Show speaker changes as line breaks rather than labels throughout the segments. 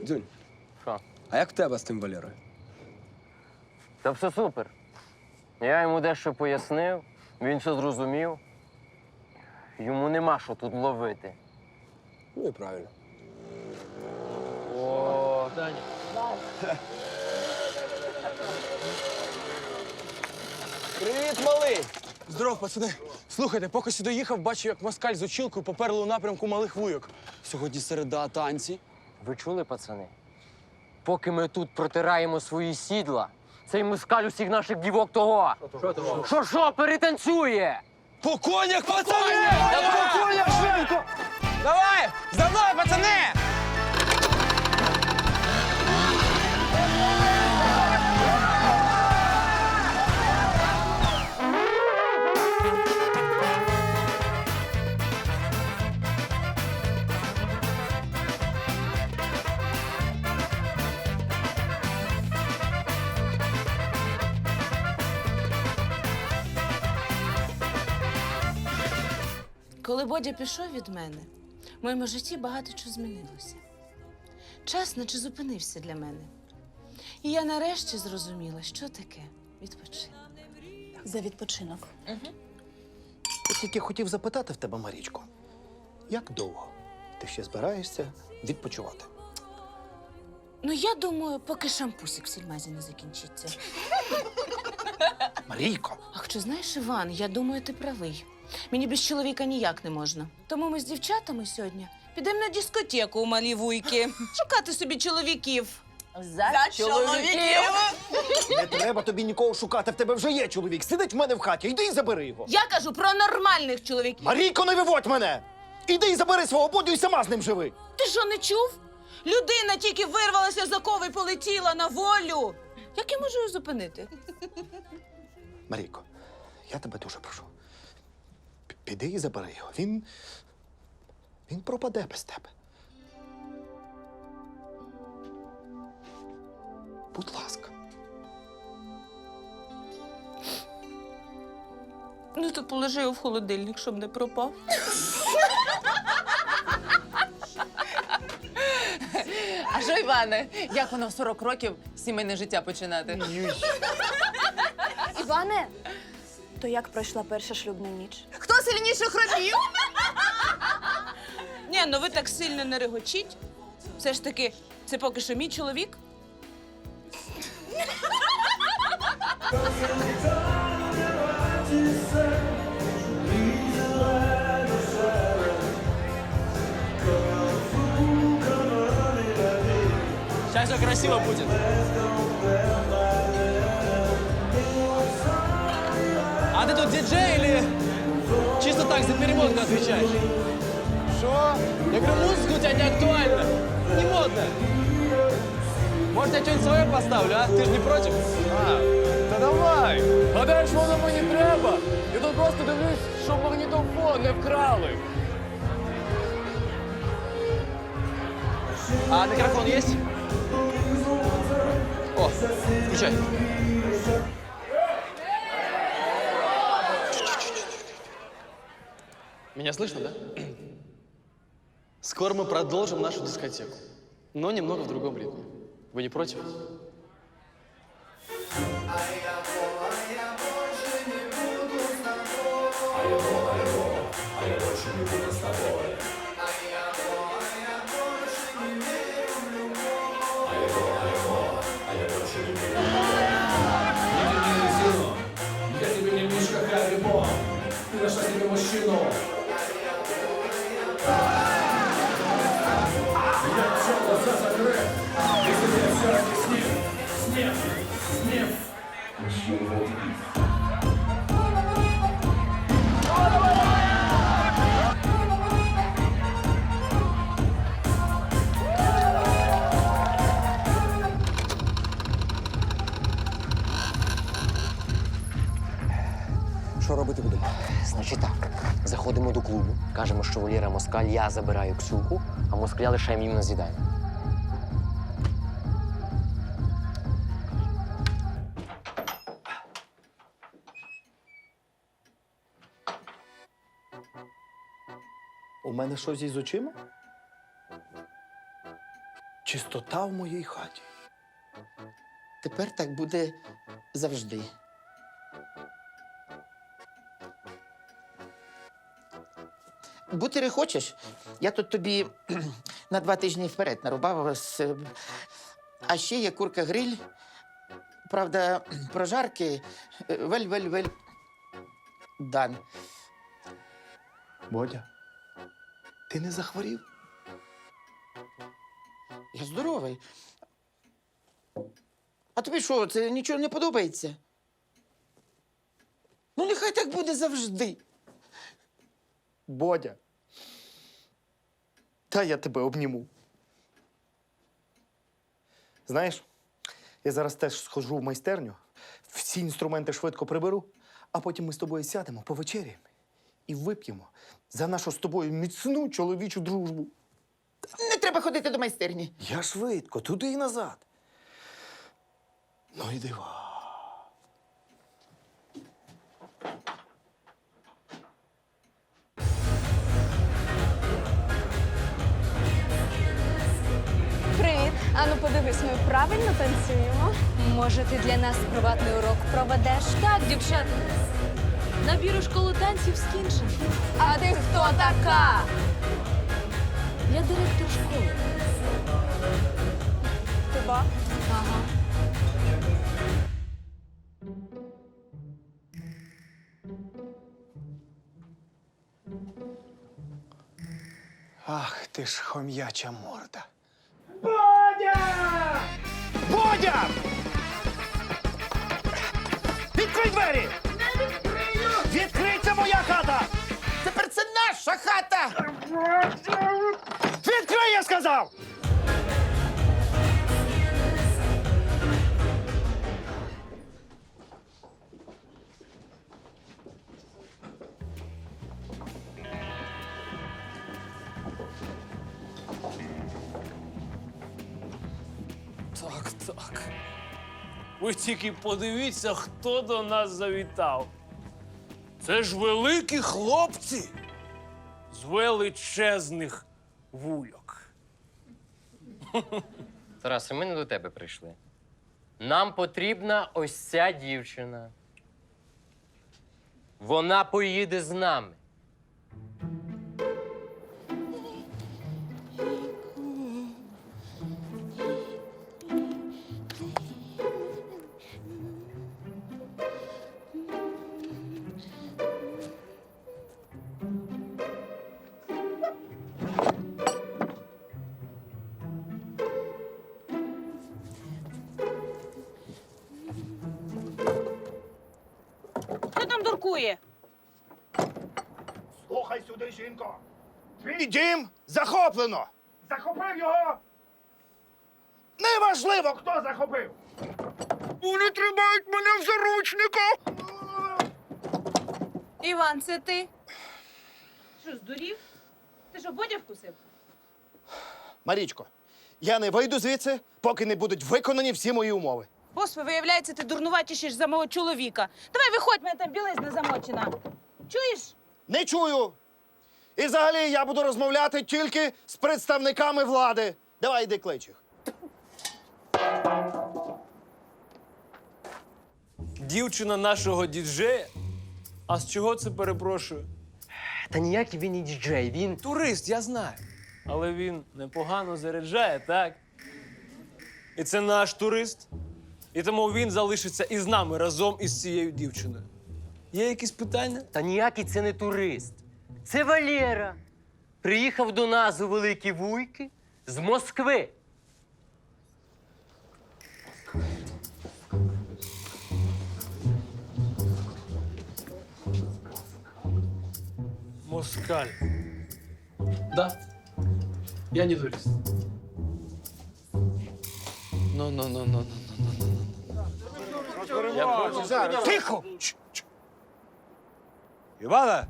Дзюнь,
Що?
а як в тебе з тим Валерою?
Та все супер. Я йому дещо пояснив, він все зрозумів. Йому нема що тут ловити.
Ну і правильно.
О,
Привіт, малий!
Здоров, пацани. Слухайте, поки сюди їхав, бачу, як москаль з учілкою поперли у напрямку малих вуйок. Сьогодні середа, танці.
ви чули, пацани? Поки ми тут протираємо свої сідла, цей москаль усіх наших дівок того. Що, перетанцює?
По конях, пацани! По конях, швидко! Давай! За мною, пацани!
Коли Бодя пішов від мене, в моєму житті багато чого змінилося. Час наче зупинився для мене. І я нарешті зрозуміла, що таке відпочинок.
За відпочинок.
Я тільки хотів запитати в тебе, Марічко, як довго ти ще збираєшся відпочивати?
Ну, я думаю, поки шампусик в сільмазі не закінчиться.
Марійко!
А хоча, знаєш, Іван, я думаю, ти правий. Мені без чоловіка ніяк не можна. Тому ми з дівчатами сьогодні підемо на дискотеку у малі вуйки. Шукати собі чоловіків.
За чоловіків!
Не треба тобі нікого шукати, в тебе вже є чоловік. Сидить в мене в хаті, йди і забери його.
Я кажу про нормальних чоловіків.
Марійко, не виводь мене! Іди і забери свого Бодю і сама з ним живи.
Ти що, не чув? Людина тільки вирвалася з окови і полетіла на волю. Як я можу її зупинити?
Марійко, я тебе дуже прошу. Піди і забери його. Він пропаде без тебе. Будь ласка.
Ну, то положи його в холодильник, щоб не пропав.
А що, Іване, як воно в 40 років сімейне життя починати?
Іване, то як пройшла перша шлюбна ніч?
Хто сильніше хропів?
Ні, ну ви так сильно не регочіть. Все ж таки, це поки що мій чоловік.
Сейчас все красиво будет. А ты тут диджей или чисто так за переводку отвечаешь? Что? Я говорю, музыка у тебя не актуальна, не модная. Может, я что-нибудь свое поставлю, а? Ты же не против?
Та давай! Гадаєш, воно мені треба? Я тут просто дивлюсь, щоб магнітофон не вкрали.
А микрофон есть? О, включай. Меня слышно, да? Скоро мы продолжим нашу дискотеку, но немного в другом ритме. Вы не против?
Я тебе не мишка Харибо, ты нашла себе мужчину. Я все глаза закрыт, если я все объяснил. Снег.
Що робити будемо?
Значить так, заходимо до клубу, кажемо, що Валера москаль, я забираю Ксюху, а москаля лишаємо їм на з'їдання.
У мене щось із очима? чистота в моїй хаті.
Тепер так буде завжди. Бутери хочеш? Я тут тобі на 2 тижні вперед нарубав. А ще є курка-гриль. Правда, прожарки вель-вель-вель. Дан.
Бодя, ти не захворів?
Я здоровий. А тобі що, це нічого не подобається? Ну, нехай так буде завжди.
Бодя. Та я тебе обніму. Знаєш, я зараз теж схожу в майстерню, всі інструменти швидко приберу, а потім ми з тобою сядемо, повечеряємо і вип'ємо за нашу з тобою міцну чоловічу дружбу.
Не треба ходити до майстерні.
Я швидко, туди і назад. Ну і дива.
Привіт. Ану, подивись, ми правильно танцюємо.
Може, ти для нас приватний урок проведеш? Так, дівчата. Набір у школу танців скінчено.
А ти хто така?
Я директор школи.
Тебе?
Ага.
Ах, ти ж хом'яча морда. Бодя! Бодя! Відкрий двері! Не відкрию! Відкрий, це моя хата!
Тепер це наша хата!
Відкрий, я сказав!
Так, так. Ви тільки подивіться, хто до нас завітав. Це ж великі хлопці з величезних вульок.
Тарасе, ми не до тебе прийшли. Нам потрібна ось ця дівчина. Вона поїде з нами.
Хто там дуркує?
Слухай сюди, жінко. Твій дім захоплено. Захопив його. Неважливо, хто захопив. Вони тримають мене в заручниках.
Іван, це ти? Що, здурів? Ти що, Бодя вкусив?
Марічко, я не вийду звідси, поки не будуть виконані всі мої умови.
Господи, виявляється, ти дурнуватіший за мого чоловіка. Давай виходь, мене там білизна замочена. Чуєш?
Не чую. І взагалі я буду розмовляти тільки з представниками влади. Давай, йди клич їх.
Дівчина нашого діджея? А з чого це, перепрошую?
Та ніякий він і діджей, він.
Турист, я знаю. Але він непогано заряджає, так? І це наш турист. І тому він залишиться із нами разом із цією дівчиною. Є якісь питання?
Та ніякий це не турист. Це Валера. Приїхав до нас у Великі Вуйки з Москви.
Москаль. Да. Я не турист. Ну.
Тихо!
Івана!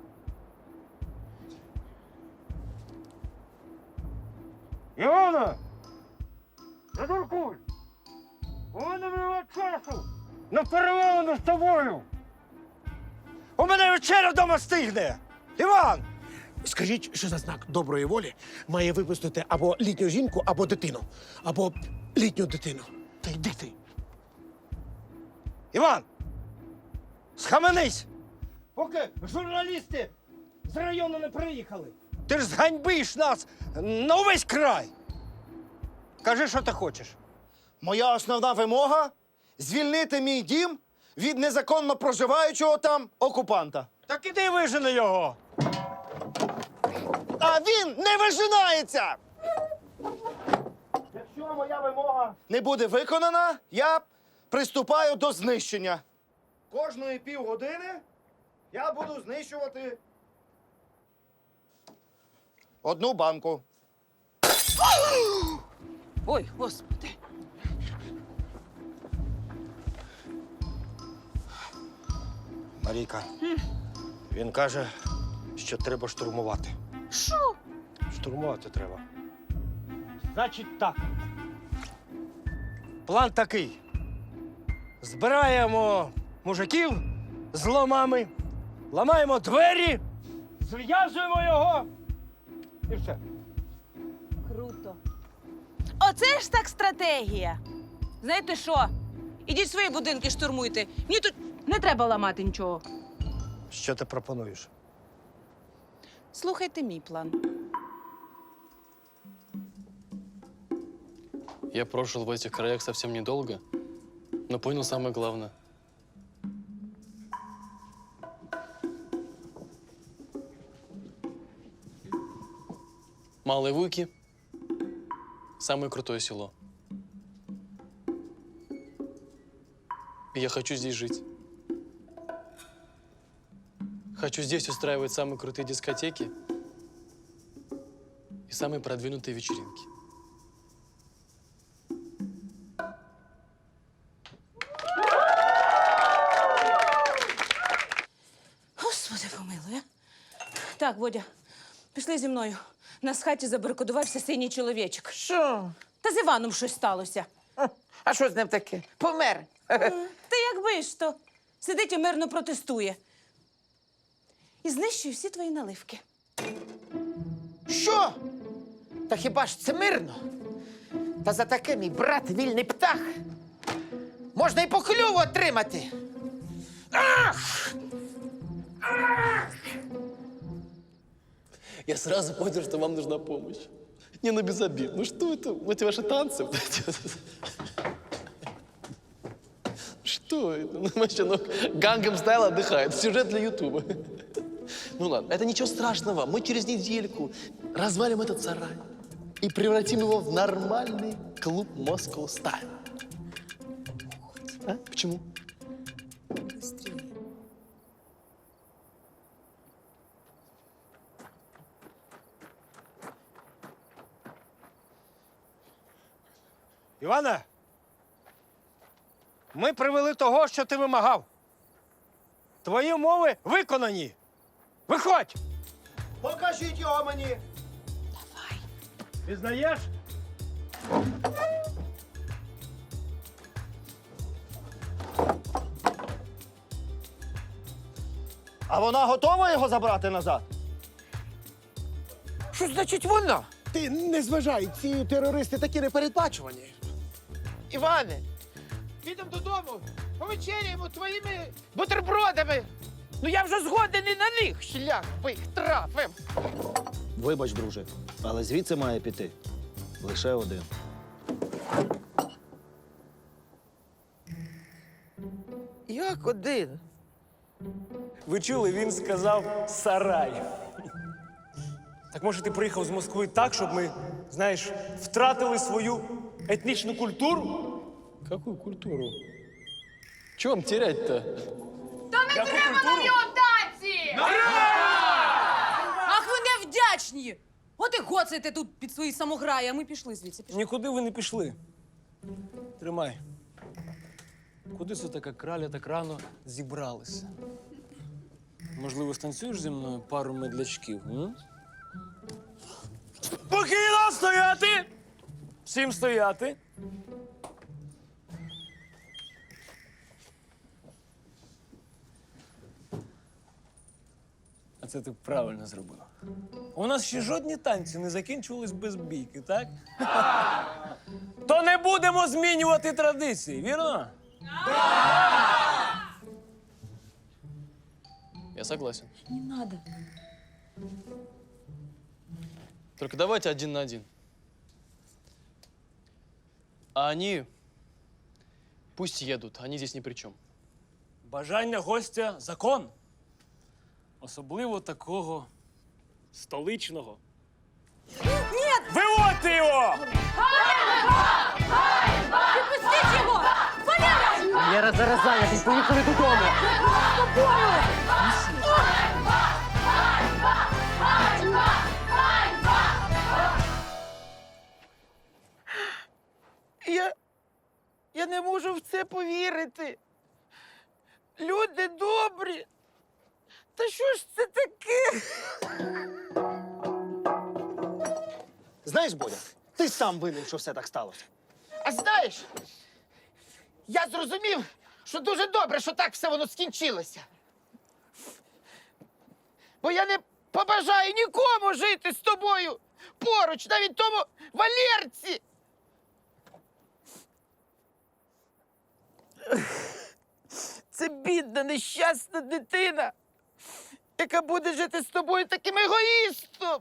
Івана! Не дуркуй! У мене немає часу на перемовину з тобою! У мене вечеря вдома стигне! Іван!
Скажіть, що за знак доброї волі має випустити або літню жінку, або дитину. Або літню дитину. Та йди ти.
Іван! Схаменись! Поки журналісти з району не приїхали. Ти ж зганьбиш нас на увесь край. Кажи, що ти хочеш. Моя основна вимога – звільнити мій дім від незаконно проживаючого там окупанта. Так іди вижени його. А він не вижинається! Якщо моя вимога не буде виконана, я приступаю до знищення. Кожної півгодини я буду знищувати одну банку.
Ой, господи.
Марійка, він каже, що треба штурмувати.
Що?
Штурмувати треба. Значить так. План такий. Збираємо мужиків з ломами, ламаємо двері, зв'язуємо його і все.
Круто. Оце ж так стратегія. Знаєте що? Ідіть свої будинки штурмуйте. Мені тут не треба ламати нічого.
Що ти пропонуєш?
Слухайте мій план.
Я прожил в этих краях совсем недолго, но понял самое главное. Малые Вуйки – самое крутое село. И я хочу здесь жить. Хочу здесь устраивать самые крутые дискотеки и самые продвинутые вечеринки.
Господи, помилуй, а? Так, Водя, пішли зі мною. У нас в хаті забарикадувався синій чоловічок.
Що?
Та з Іваном щось сталося.
А що з ним таке? Помер.
Та якби ж то. Сидить і мирно протестує. І знищує всі твої наливки.
Що? Та хіба ж це мирно? Та за таке мій брат вільний птах. Можна і по клюву отримати.
Я сразу понял, что вам нужна помощь. Не, ну без обид. Ну что это? Вот эти ваши танцы. Что это? Ну, вообще, ну, Гангам Стайл отдыхает. Сюжет для Ютуба. Ну ладно, это ничего страшного. Мы через недельку развалим этот сарай и превратим его в нормальный клуб Moscow Style. А? Почему?
Іване, ми привели того, що ти вимагав. Твої умови виконані. Виходь! Покажіть його мені. Давай. Пізнаєш? А вона готова його забрати назад?
Що значить вона?
Ти не зважай, ці терористи такі непередбачувані.
Іване, підемо додому, повечеряємо твоїми бутербродами. Ну я вже згоден і на них шлях би трафив.
Вибач, друже, але звідси має піти лише один.
Як один?
Ви чули, він сказав сарай. Так може ти приїхав з Москви так, щоб ми, знаєш, втратили свою етнічну культуру?
Какую культуру? Чего вам терять-то?
Яку культуру?
Ах, ви невдячні! От і гоцаєте тут під свої самограї, а ми пішли звідси.
Нікуди ви не пішли. Тримай. Куди це така краля так рано зібралися? Можливо, станцюєш зі мною пару медлячків? М? Спокійно стояти! Всім стояти! А це ти правильно зробив. У нас ще жодні танці не закінчувались без бійки, так? То не будемо змінювати традиції, вірно?
Я согласен.
Не надо.
Только давайте 1 на 1. А они пусть едут, они здесь ни при чем.
Бажання гостя – закон. Особливо такого столичного. Ні! Виводьте його!
Пустіть його! Валера!
Я зараз зайнятий, поїхали додому.
Я не можу в це повірити. Люди добрі. Та що ж це таке?
Знаєш, Бодя, ти сам винен, що все так сталося.
А знаєш, я зрозумів, що дуже добре, що так все воно скінчилося. Бо я не побажаю нікому жити з тобою поруч, навіть тому Валерці. Це бідна, нещасна дитина, яка буде жити з тобою таким егоїстом.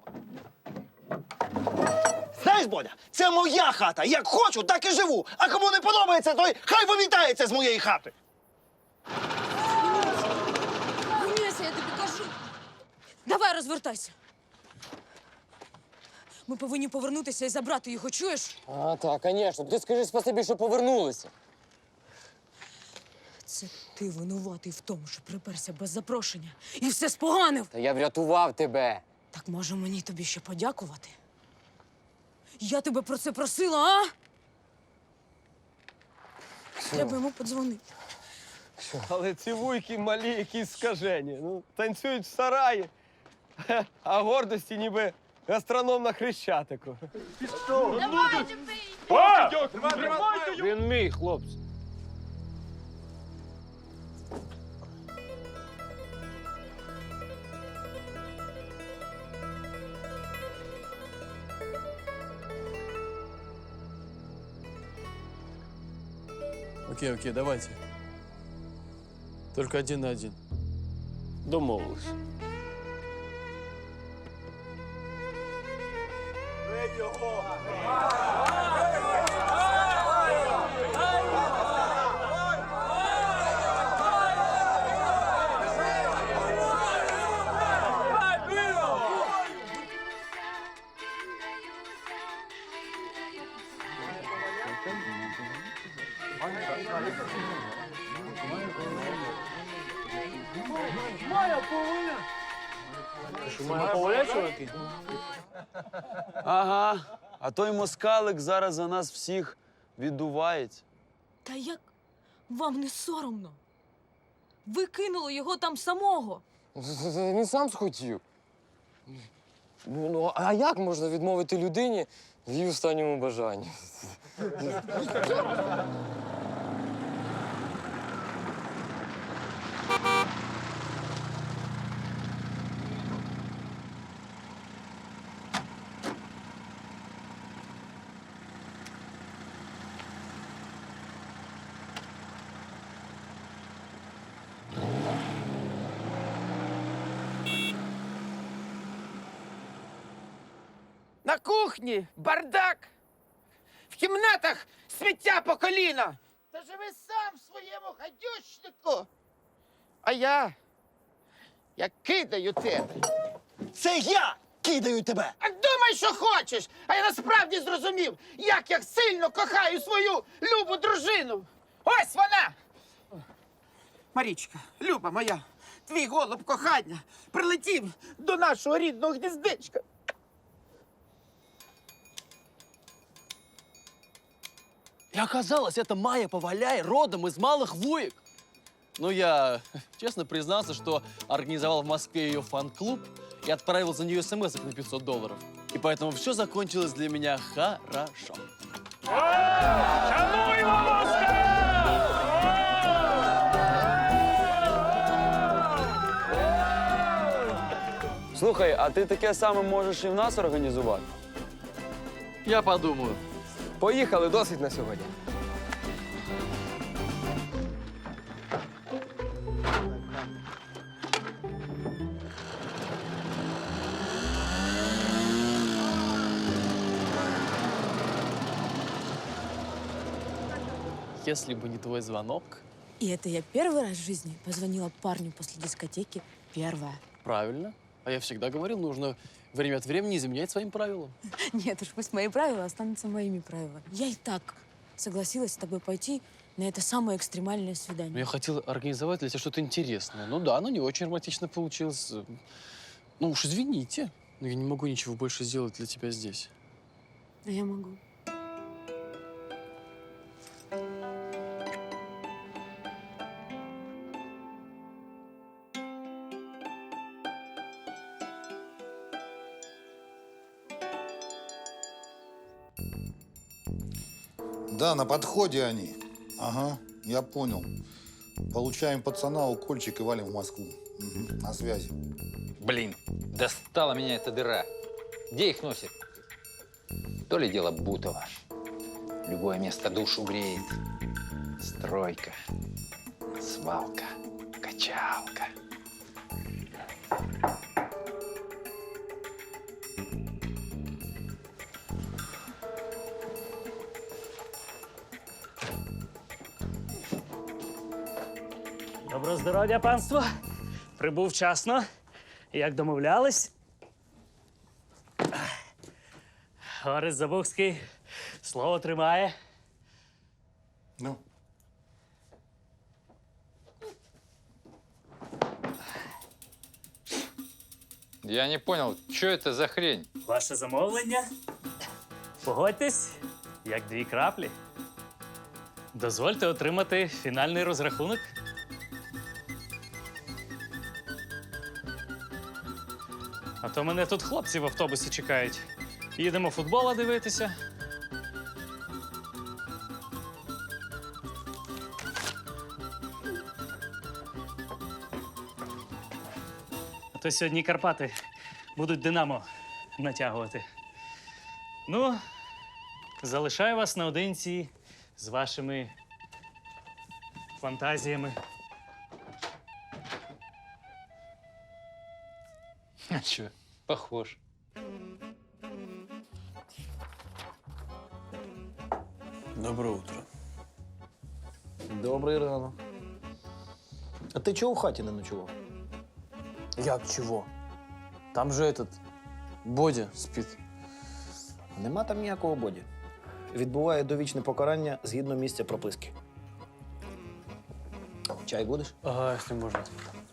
Знаєш, Бодя, це моя хата. Як хочу, так і живу. А кому не подобається, той хай вимітається з моєї хати.
Гнися, я тобі кажу. Давай, розвертайся. Ми повинні повернутися і забрати його, чуєш?
А, так, звісно. Ти скажи спасибі, що повернулися.
Це ти винуватий в тому, що приперся без запрошення і все споганив.
Та я врятував тебе.
Так може мені тобі ще подякувати? Я тебе про це просила, а? Треба йому подзвонити.
Але ці вуйки малі, якісь скажені. Ну, танцюють в сараї, а гордості ніби гастроном на Хрещатику.
Він мій, хлопці.
Окей, давайте. Только 1 на 1.
Домовились.
Ага, а той москалик зараз за нас всіх віддувається.
Та як вам не соромно? Ви кинули його там самого.
Він сам схотів. Ну, а як можна відмовити людині в її останньому бажанні?
На кухні бардак, в кімнатах сміття по коліна. Та живи сам в своєму гадючнику. А я кидаю тебе.
Це я кидаю тебе.
А думай, що хочеш. А я насправді зрозумів, як я сильно кохаю свою любу дружину. Ось вона! Марічка, люба моя, твій голуб кохання прилетів до нашого рідного гніздечка.
И оказалось, это Майя Поваляй родом из Малых Вуек. Ну, я честно признался, что организовал в Москве ее фан-клуб и отправил за нее смс на $500. И поэтому все закончилось для меня хорошо.
Слухай, а ти таке саме можеш і в нас організувати?
Я подумаю.
Поїхали, досить на сьогодні.
Если бы не твой звонок,
И это я первый раз в жизни позвонила парню после дискотеки. Первая.
правильно. А я всегда говорил, нужно время от времени изменять своим правилам.
Нет уж, пусть мои правила останутся моими правилами. Я и так согласилась с тобой пойти на это самое экстремальное
Но
свидание.
я хотел организовать для тебя что-то интересное. Ну да, оно не очень романтично получилось. Ну уж извините, но я не могу ничего больше сделать для тебя здесь.
А я могу.
Да, на подходе они. Ага, я понял. Получаем пацана, укольчик и валим в Москву. Мгм, на связи.
Блин, достала меня эта дыра. Где их носит? То ли дело Бутова. Любое место душу греет. Стройка, свалка, качалка.
Доброго здоров'я, панство. Прибув вчасно. Як домовлялись. Орест Забухський слово тримає.
Ну.
Я не понял, что это за хрень?
Ваше замовлення. Погодьтесь, як дві краплі. Дозвольте отримати фінальний розрахунок. А то мене тут хлопці в автобусі чекають. Їдемо футбола дивитися. А то сьогодні Карпати будуть Динамо натягувати. Ну, залишаю вас наодинці з вашими фантазіями.
А чё, похож.
Доброе утро.
Добрий ранок. А ти чого в хаті не ночував?
Як чого? Там же этот Бодя спить.
Нема там ніякого боді. Відбуває довічне покарання згідно місця прописки. Чай будеш?
Ага, если можно.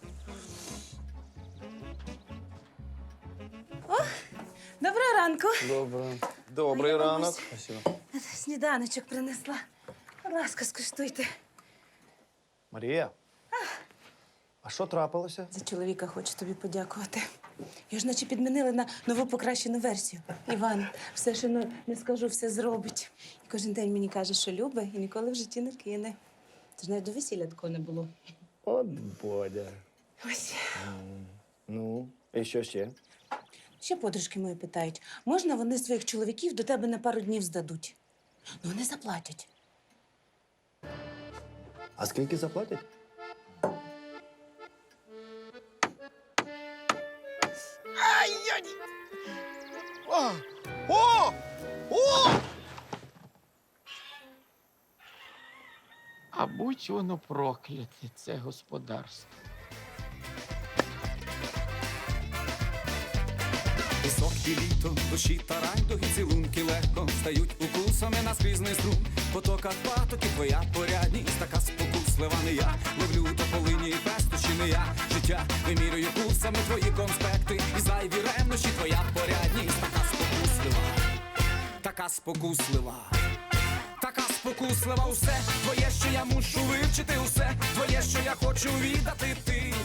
Доброго ранку.
Доброе.
Добрий ранок.
Спасибо.
Сніданочок принесла. Будь ласка, скуштуйте.
Марія, а що трапилося?
За чоловіка хочу тобі подякувати. Я ж наче підмінили на нову покращену версію. Іван, все, що не скажу, все зробить. І кожен день мені каже, що любить і ніколи в житті не кине. Тож навіть до весілля такого не було.
От Бодя.
Ось.
Ну, і що ще?
Ще подружки мої питають, можна вони своїх чоловіків до тебе на пару днів здадуть? Ну, вони заплатять.
А скільки заплатять?
Ай-яй! О! О! О! А будь воно прокляте, це господарство.
Пісок і літо, душі та райдуги, цілунки легко стають укусами на скрізний струм. В потоках патоки твоя порядність, така спокуслива не я. Ловлю тополині і пестощі не я. Життя вимірюю курсами твої конспекти. І зайві ревнощі твоя порядність, така спокуслива, така спокуслива. Така спокуслива, усе твоє, що я мушу вивчити, усе твоє, що я хочу віддати, ти